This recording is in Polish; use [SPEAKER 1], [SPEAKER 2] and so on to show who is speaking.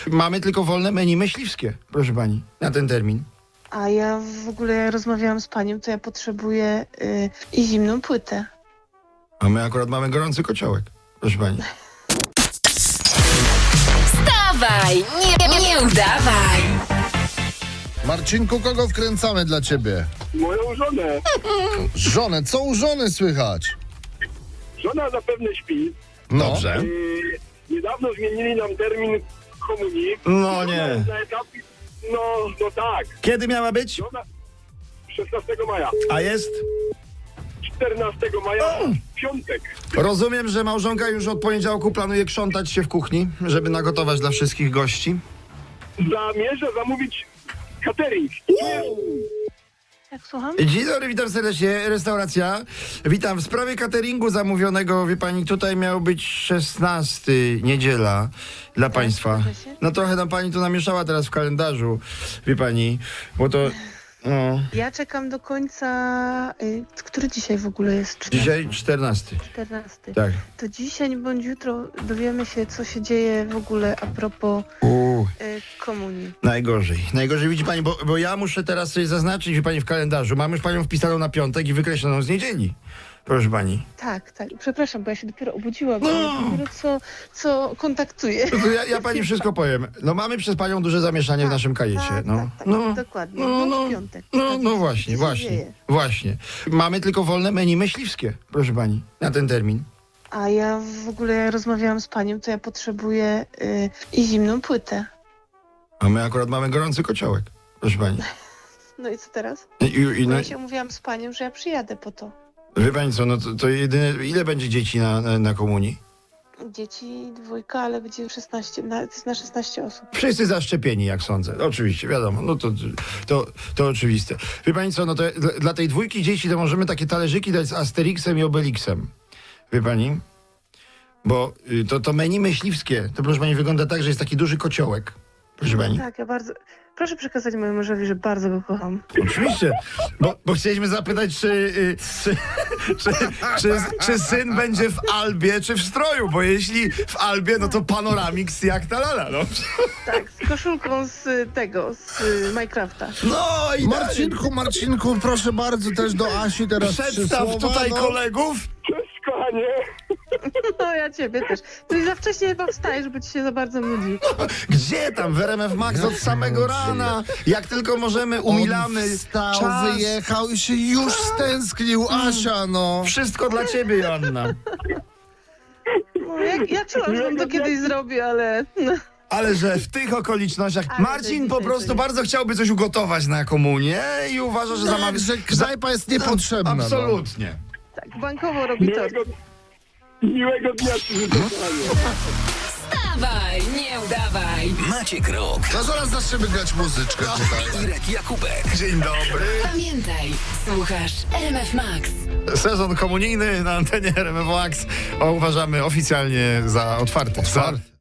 [SPEAKER 1] Mamy tylko wolne menu myśliwskie, proszę pani, na ten termin.
[SPEAKER 2] A ja w ogóle rozmawiałam z panią, to ja potrzebuję i zimną płytę.
[SPEAKER 1] A my akurat mamy gorący kociołek, proszę pani.
[SPEAKER 3] Wstawaj, nie udawaj.
[SPEAKER 4] Marcinku, kogo wkręcamy dla ciebie?
[SPEAKER 5] Moją żonę.
[SPEAKER 4] Żonę, co u żony słychać?
[SPEAKER 5] Żona zapewne śpi.
[SPEAKER 1] Dobrze.
[SPEAKER 5] Niedawno zmienili nam termin komunii.
[SPEAKER 1] No nie.
[SPEAKER 5] Na etapie, no tak.
[SPEAKER 1] Kiedy miała być?
[SPEAKER 5] Żona 16 maja.
[SPEAKER 1] A jest?
[SPEAKER 5] 14 maja, piątek.
[SPEAKER 1] Rozumiem, że małżonka już od poniedziałku planuje krzątać się w kuchni, żeby nagotować dla wszystkich gości.
[SPEAKER 5] Zamierzę zamówić catering.
[SPEAKER 2] Jak słucham?
[SPEAKER 1] Dzień dobry, witam serdecznie, restauracja. Witam, w sprawie cateringu zamówionego, wie pani, tutaj miał być 16, niedziela, dla państwa.
[SPEAKER 2] zgadza się.
[SPEAKER 1] No trochę tam pani to namieszała teraz w kalendarzu, wie pani, bo to, no,
[SPEAKER 2] Ja czekam do końca... który dzisiaj w ogóle jest?
[SPEAKER 1] dzisiaj 14,
[SPEAKER 2] 14.
[SPEAKER 1] tak.
[SPEAKER 2] To dzisiaj bądź jutro dowiemy się, co się dzieje w ogóle a propos komunii.
[SPEAKER 1] Najgorzej widzi pani, bo ja muszę teraz sobie zaznaczyć, wie pani, w kalendarzu, mam już panią wpisaną na piątek i wykreśloną z niedzieli, proszę pani.
[SPEAKER 2] Tak. Przepraszam, bo ja się dopiero obudziłam, bo ja dopiero co kontaktuję.
[SPEAKER 1] To ja pani wszystko powiem. No mamy przez panią duże zamieszanie w naszym kajecie.
[SPEAKER 2] Tak, dokładnie.
[SPEAKER 1] No,
[SPEAKER 2] w piątek.
[SPEAKER 1] No właśnie,
[SPEAKER 2] Co się dzieje?
[SPEAKER 1] właśnie. Mamy tylko wolne menu myśliwskie, proszę pani, na ten termin.
[SPEAKER 2] A ja w ogóle rozmawiałam z panią, to ja potrzebuję i zimną płytę.
[SPEAKER 1] A my akurat mamy gorący kociołek, proszę pani.
[SPEAKER 2] No i co teraz?
[SPEAKER 1] No,
[SPEAKER 2] Ja się umówiłam z panią, że ja przyjadę po to.
[SPEAKER 1] wie pani co, no to jedyne, ile będzie dzieci na komunii?
[SPEAKER 2] Dzieci 2, ale będzie 16, to jest na 16 osób.
[SPEAKER 1] Wszyscy zaszczepieni, jak sądzę. Oczywiście, wiadomo, no to oczywiste. Wie pani co, no to dla tej 2 dzieci to możemy takie talerzyki dać z Asterixem i Obelixem. Wie pani? Bo to menu myśliwskie, to proszę pani wygląda tak, że jest taki duży kociołek. Proszę pani.
[SPEAKER 2] Tak, ja bardzo... Proszę przekazać mojemu mężowi, że bardzo go kocham.
[SPEAKER 1] Oczywiście, bo chcieliśmy zapytać, czy syn będzie w albie, czy w stroju, bo jeśli w albie, no to panoramix jak ta lala, no.
[SPEAKER 2] Tak, z koszulką z Minecrafta.
[SPEAKER 1] No i
[SPEAKER 4] Marcinku, proszę bardzo, też do Asi teraz
[SPEAKER 1] przedstaw
[SPEAKER 4] 3 słowa,
[SPEAKER 1] tutaj kolegów.
[SPEAKER 5] Cześć, kochanie.
[SPEAKER 2] No ja ciebie też. Ty za wcześnie chyba wstajesz, bo ci się za bardzo nudzi.
[SPEAKER 1] Gdzie tam? W RMF Max od samego rana. Jak tylko możemy, umilamy
[SPEAKER 4] On wstał,
[SPEAKER 1] czas.
[SPEAKER 4] wyjechał i się już stęsknił, Asia, no.
[SPEAKER 1] Wszystko dla ciebie, Joanna.
[SPEAKER 2] No, ja czułam, że on to kiedyś zrobi, ale... No.
[SPEAKER 1] Ale że w tych okolicznościach
[SPEAKER 2] Ale
[SPEAKER 1] Marcin
[SPEAKER 2] to
[SPEAKER 1] po
[SPEAKER 2] dzisiaj
[SPEAKER 1] prostu
[SPEAKER 2] to nie.
[SPEAKER 1] bardzo chciałby coś ugotować na komunię i uważa, że
[SPEAKER 4] Tak,
[SPEAKER 1] zamawia...
[SPEAKER 4] że knajpa jest niepotrzebna. No.
[SPEAKER 1] Absolutnie.
[SPEAKER 2] Tak, bankowo robi to.
[SPEAKER 5] Miłego dnia ci życzę, kochanie.
[SPEAKER 3] Wstawaj, nie udawaj.
[SPEAKER 6] Maciek Rok,
[SPEAKER 4] No zaraz zaczniemy grać muzyczkę tutaj.
[SPEAKER 6] Irek Jakubek.
[SPEAKER 1] Dzień dobry.
[SPEAKER 3] Pamiętaj, słuchasz RMF Max.
[SPEAKER 1] Sezon komunijny na antenie RMF Max uważamy oficjalnie za otwarty.